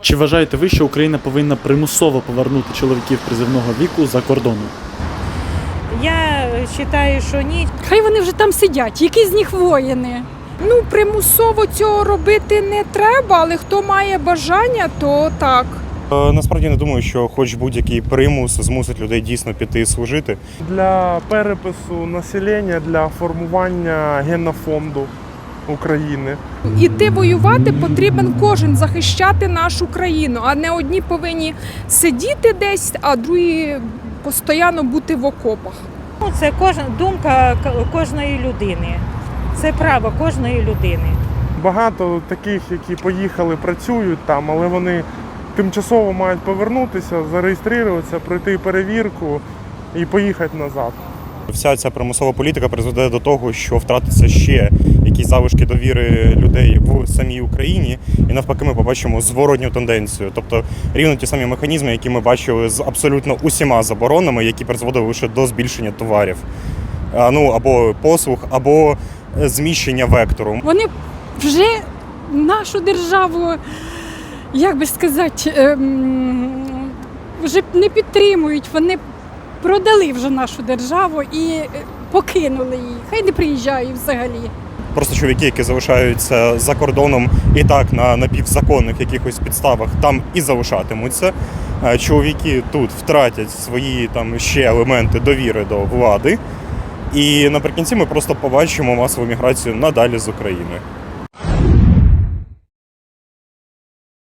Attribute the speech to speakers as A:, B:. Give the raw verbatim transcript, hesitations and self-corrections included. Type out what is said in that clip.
A: Чи вважаєте ви, що Україна повинна примусово повернути чоловіків призивного віку за кордону?
B: Я вважаю, що ні.
C: Хай вони вже там сидять, які з них воїни.
D: Ну, примусово цього робити не треба, але хто має бажання, то так.
E: Е, Насправді не думаю, що хоч будь-який примус змусить людей дійсно піти служити.
F: Для перепису населення, для формування генофонду України.
D: Іти воювати потрібен кожен, захищати нашу країну, а не одні повинні сидіти десь, а другі постійно бути в окопах.
B: Ну, це кожна думка к- кожної людини. Це право кожної людини.
F: Багато таких, які поїхали, працюють там, але вони тимчасово мають повернутися, зареєструватися, пройти перевірку і поїхати назад.
E: Вся ця примусова політика призведе до того, що втратиться ще якісь залишки довіри людей в самій Україні, і навпаки ми побачимо зворотню тенденцію. Тобто рівно ті самі механізми, які ми бачили з абсолютно усіма заборонами, які призводили лише до збільшення товарів. А, Ну, або послуг, або зміщення вектору.
C: Вони вже нашу державу, як би сказати, ем, вже не підтримують. Вони продали вже нашу державу і е, покинули її. Хай не приїжджають взагалі.
E: Просто чоловіки, які залишаються за кордоном і так на напівзаконних якихось підставах, там і залишатимуться. Е, Чоловіки тут втратять свої там ще елементи довіри до влади. І наприкінці ми просто побачимо масову міграцію надалі з України.